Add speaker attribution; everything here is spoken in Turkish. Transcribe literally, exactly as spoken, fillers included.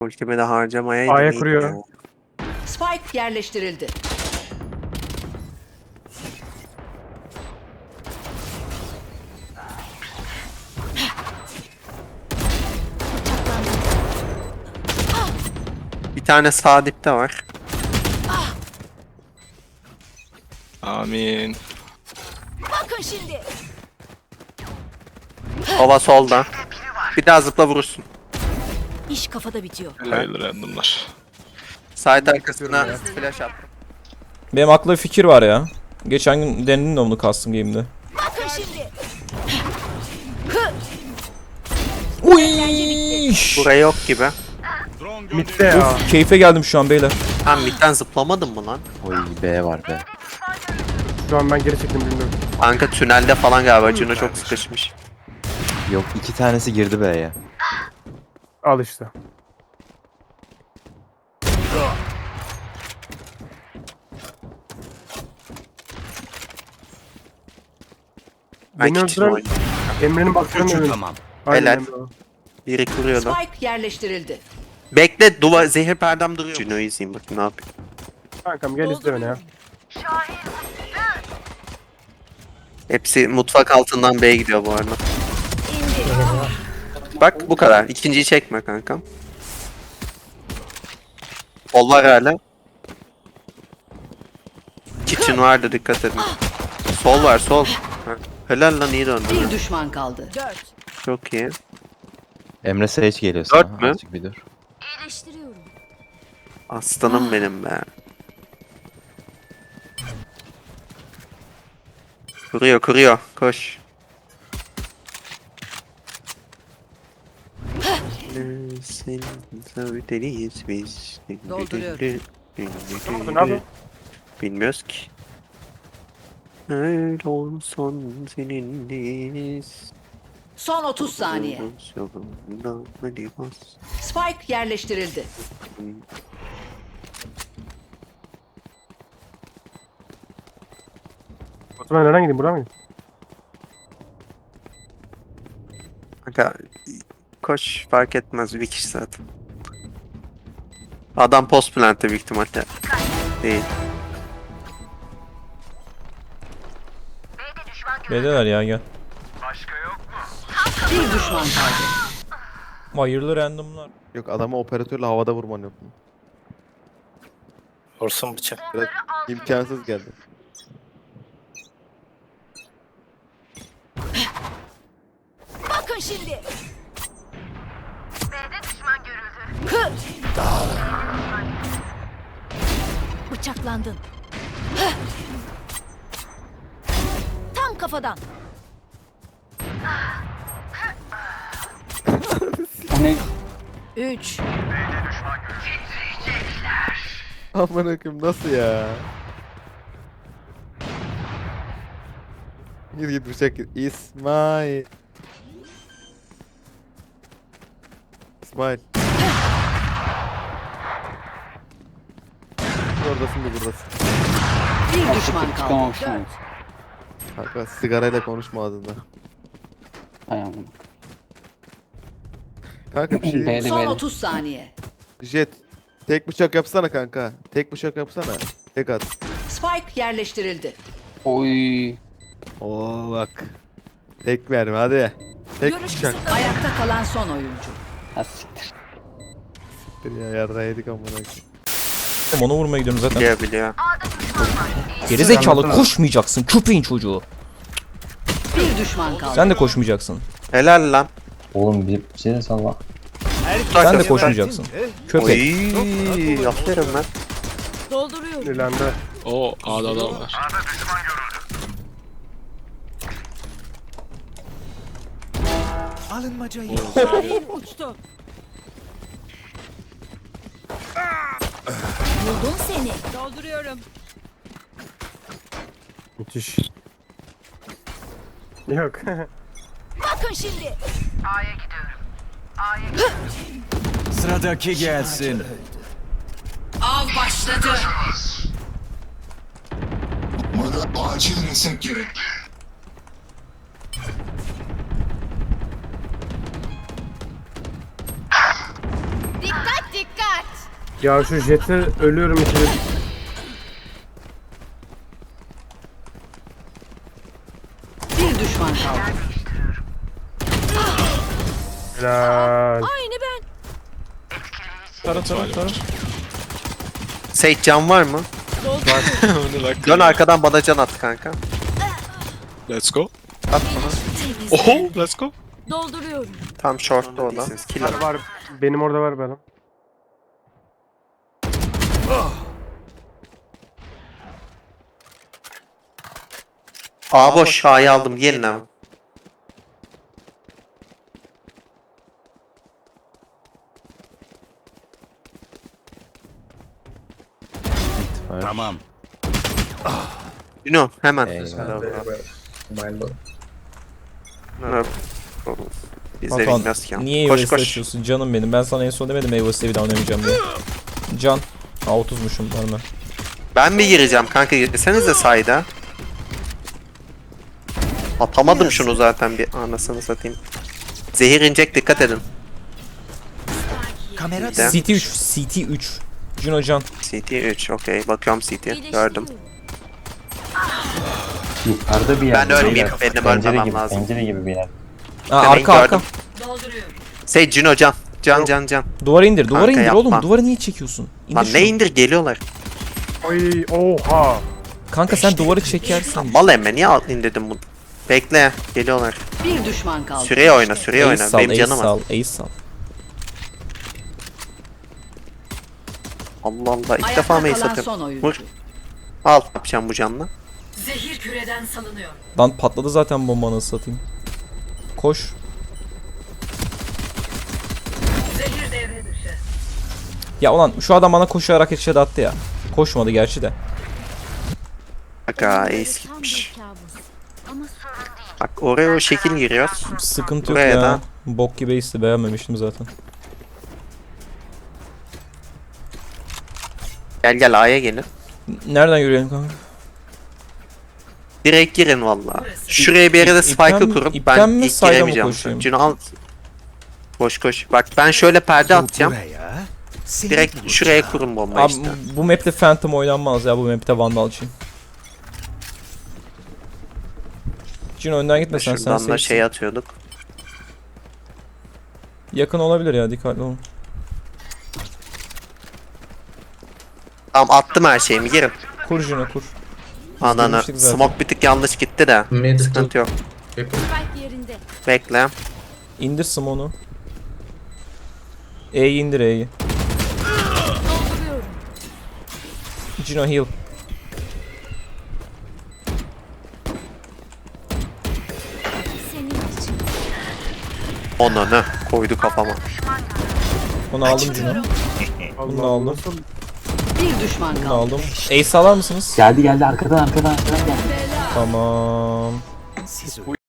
Speaker 1: Ultimi de harcamayaydım.
Speaker 2: A'ya
Speaker 1: iyiydi
Speaker 2: kuruyor.
Speaker 1: ya.
Speaker 3: Spike yerleştirildi.
Speaker 1: Bir tane sağ dipte var.
Speaker 4: Amin.
Speaker 3: Bakın şimdi.
Speaker 1: Hava solda. Bir daha zıpla vurursun.
Speaker 3: İş kafada bitiyor.
Speaker 4: Hayırlı randomlar.
Speaker 1: Side arkasına flash at.
Speaker 5: Benim aklımda bir fikir var ya. Geçen gün denedim de onu custom game'de.
Speaker 3: Bakın şimdi.
Speaker 5: Uy!
Speaker 1: Buraya yok gibi.
Speaker 2: Mid'de ya.
Speaker 5: Keyfe geldim şu an beyler.
Speaker 1: Ha midden zıplamadın mı lan?
Speaker 6: Oy B var B.
Speaker 2: Şu an ben geri çektim bilmiyorum.
Speaker 1: Kanka tünelde falan galiba. Cino çok sıkışmış.
Speaker 6: Yok iki tanesi girdi B'ye.
Speaker 2: Al işte.
Speaker 1: Ben
Speaker 2: Beni
Speaker 1: kitchen
Speaker 2: öldüren
Speaker 1: oynuyorum.
Speaker 2: Emre'nin bakışlarını tamam.
Speaker 1: Helal.
Speaker 2: Emre o.
Speaker 1: Biri kuruyordu.
Speaker 3: Spike yerleştirildi.
Speaker 1: Bekle duvar zehir perdem duruyor. Cino'yu izleyeyim bakayım ne yapıyor.
Speaker 2: Kankam gel izle beni ya.
Speaker 1: Hepsi mutfak altından B'ye gidiyor bu arada. Bak bu kadar. İkinciyi çekme kankam. Sol var hala. Kitchen vardı dikkat edin. Sol var sol. Ha. Helal lan iyi döndü.
Speaker 3: Bir düşman kaldı. Dört.
Speaker 1: Çok iyi.
Speaker 6: Emre Sage geliyor sana.
Speaker 1: Dört mü?
Speaker 6: Azıcık bir dur.
Speaker 3: İyileştiriyorum.
Speaker 1: Aslanım benim be. Kuruyor kuruyor. Koş. Sen deliyiz biz.
Speaker 3: Dolduruyorum.
Speaker 2: Ne yapıyorsun?
Speaker 1: Bilmiyoruz ki. Öyle olsun seninleyiz.
Speaker 3: Son otuz saniye.
Speaker 1: Yolunda hadi bas.
Speaker 3: Spike yerleştirildi.
Speaker 2: Osman nereden gideyim? Buradan mı gideyim?
Speaker 1: Kanka koş fark etmez bir kişi zaten. Adam post plant'te büyük ihtimalle. Değil.
Speaker 5: Beyler ya gel.
Speaker 3: Bir düşman kaldı.
Speaker 5: Hayırlı randomlar.
Speaker 7: Yok adamı operatörle havada vurman yok mu?
Speaker 4: Vursun bıçak.
Speaker 7: Biraz imkansız geldi.
Speaker 3: Bakın şimdi. B'de düşman görüldü. Bıçaklandın. Tam kafadan. Üç.
Speaker 7: Aman akım nasıl ya? Git git bıçak git. İsmail. İsmail. Oradasın da buradasın.
Speaker 3: Bir düşman kaldı. Dört.
Speaker 7: Kanka sigarayla konuşma ağzında. Kanka bir şey.
Speaker 3: Son otuz saniye.
Speaker 7: Jet. Tek bıçak yapsana kanka. Tek bıçak yapsana. Tek at.
Speaker 3: Spike yerleştirildi.
Speaker 7: Oo bak. Tek verme hadi. Tek
Speaker 3: Görüş
Speaker 7: bıçak.
Speaker 3: kısıtlı. Ayakta kalan son oyuncu.
Speaker 7: Bir ya yarrağı yedik amına koyayım.
Speaker 5: Onu vurmaya gidiyorum zaten.
Speaker 1: Biliyor biliyor.
Speaker 5: Gerizekalı koşmayacaksın köpeğin çocuğu.
Speaker 3: Bir düşman kaldı.
Speaker 5: Sen de koşmayacaksın.
Speaker 1: Helal lan.
Speaker 6: Oğlum bir şey de salla.
Speaker 5: Sen de koşmayacaksın. Köpek.
Speaker 1: Oy, aferin lan.
Speaker 3: Dolduruyorum.
Speaker 2: İlerinde.
Speaker 4: O A'da adam var.
Speaker 3: Uçtu. Buldum seni. Dolduruyorum.
Speaker 2: Müthiş. Yok.
Speaker 3: Bakın şimdi.
Speaker 8: Sıradaki gelsin.
Speaker 3: Av başladı.
Speaker 9: Bana acil reset gerekli.
Speaker 3: Dikkat
Speaker 2: Ya şu jeti ölüyorum içeri.
Speaker 3: Bir düşman kaldı.
Speaker 2: Helal.
Speaker 3: Aynı ben.
Speaker 5: Tara tara tara.
Speaker 1: Sage can var mı?
Speaker 4: Onu bak.
Speaker 1: Dön arkadan bana can at kanka.
Speaker 4: Let's go.
Speaker 1: At bana.
Speaker 4: Oho, let's go.
Speaker 3: Dolduruyorum.
Speaker 1: Tam short'ta o da. Kill
Speaker 2: Var,
Speaker 1: al.
Speaker 2: var. Benim orada var benim.
Speaker 1: A boş. A'yı aldım. Gelin abi.
Speaker 8: Tamam.
Speaker 1: Yuno hemen.
Speaker 6: Eyvallah.
Speaker 1: Evet. Biz de
Speaker 5: Batuhan
Speaker 1: bilmiyoruz ki.
Speaker 5: niye
Speaker 1: Koş
Speaker 5: Evo'yu
Speaker 1: koş.
Speaker 5: açıyorsun canım benim. Ben sana en son demedim Evo'yu bir daha oynamayacağım diye. Can. Aa otuzmuşum var mı?
Speaker 1: Ben mi gireceğim kanka? Girsenize sayda. Atamadım şunu zaten bir anasını satayım. Zehir inecek, dikkat edin.
Speaker 8: Kamera
Speaker 1: Dem.
Speaker 5: C T üç. C T üç. Juno Can.
Speaker 1: C T üç okey. Bakıyorum C T. Gördüm.
Speaker 6: Yukarıda bir yer.
Speaker 1: Ben ölmeyeyim, benim
Speaker 6: Pencere
Speaker 1: ölmemem
Speaker 6: gibi,
Speaker 1: lazım.
Speaker 6: Pencere gibi bir yer.
Speaker 5: Aa,
Speaker 1: Demeyin,
Speaker 5: arka arka.
Speaker 1: gördüm. Sage Juno can. Can can can.
Speaker 5: Duvara indir. Duvara
Speaker 1: Kanka,
Speaker 5: indir oğlum.
Speaker 1: yapma.
Speaker 5: Duvara niye çekiyorsun? İndir
Speaker 1: Lan
Speaker 5: şunu.
Speaker 1: ne indir geliyorlar.
Speaker 2: Oy oha.
Speaker 5: Kanka sen duvarı çekersin.
Speaker 1: Mal emme niye al indirdim bunu? Bekle geliyorlar.
Speaker 3: Bir düşman kaldı.
Speaker 1: Süreye oyna süreye
Speaker 5: Ace
Speaker 1: oyna.
Speaker 5: sal,
Speaker 1: Benim
Speaker 5: ace
Speaker 1: canım var.
Speaker 5: sal, ace sal.
Speaker 1: Allah Allah ilk
Speaker 3: Ayakta
Speaker 1: defa mı ace
Speaker 3: kalan
Speaker 1: atıyorum?
Speaker 3: son oyuncu.
Speaker 1: Vur. Al yapacağım bu canla.
Speaker 3: Zehir küreden salınıyor.
Speaker 5: Lan patladı zaten bomba nasıl satayım. Koş.
Speaker 3: Zehir devre dışı.
Speaker 5: Ya ulan şu adam bana koşarak headshot attı ya. Koşmadı gerçi de.
Speaker 1: Bak ha ace gitmiş. Bak oraya o şekil giriyoruz.
Speaker 5: Sıkıntı yok
Speaker 1: Buraya
Speaker 5: ya.
Speaker 1: da.
Speaker 5: Bok gibi ace'ti, beğenmemiştim zaten.
Speaker 1: Gel gel A'ya gelin.
Speaker 5: Nereden yürüyelim kanka?
Speaker 1: Direkt girin valla. Şuraya bir yere de
Speaker 5: İp- ipten
Speaker 1: spike'ı
Speaker 5: mi-
Speaker 1: kurup
Speaker 5: ipten
Speaker 1: ben
Speaker 5: mi,
Speaker 1: ilk
Speaker 5: sayda mı
Speaker 1: giremeyeceğim.
Speaker 5: koşayım?
Speaker 1: Cino al. Koş koş. Bak ben şöyle perde atacağım.
Speaker 8: Buraya. seni
Speaker 1: Direkt
Speaker 8: bulacağım.
Speaker 1: şuraya kurun bomba
Speaker 5: Abi
Speaker 1: işte.
Speaker 5: bu map'te Phantom oynanmaz ya, bu map'te Vandal'cıyım. Cino önden gitmesen sen
Speaker 1: Şuradan da
Speaker 5: safe'sin.
Speaker 1: şey atıyorduk.
Speaker 5: Yakın olabilir ya, dikkatli olun.
Speaker 1: Tamam attım her şeyimi girin.
Speaker 5: Kur Cino kur.
Speaker 1: Ananı.
Speaker 5: girmiştik zaten.
Speaker 1: Smoke bir tık yanlış gitti de. Sıkıntı yok.
Speaker 3: Spike yerinde.
Speaker 1: Bekle.
Speaker 5: İndir Smon'u. E'yi indir E'yi.
Speaker 3: Dolduruyorum.
Speaker 5: Cino heal.
Speaker 3: Senin için.
Speaker 1: Onu ne? Koydu kafama.
Speaker 5: Onu aldım Cino. Bunu
Speaker 2: Allah
Speaker 5: aldım.
Speaker 2: nasıl?
Speaker 3: Bir düşman
Speaker 5: Bunu
Speaker 3: kaldı.
Speaker 5: aldım. Ace alar mısınız?
Speaker 6: Geldi geldi arkadan arkadan arkadan geldi.
Speaker 5: Tamam.
Speaker 8: Siz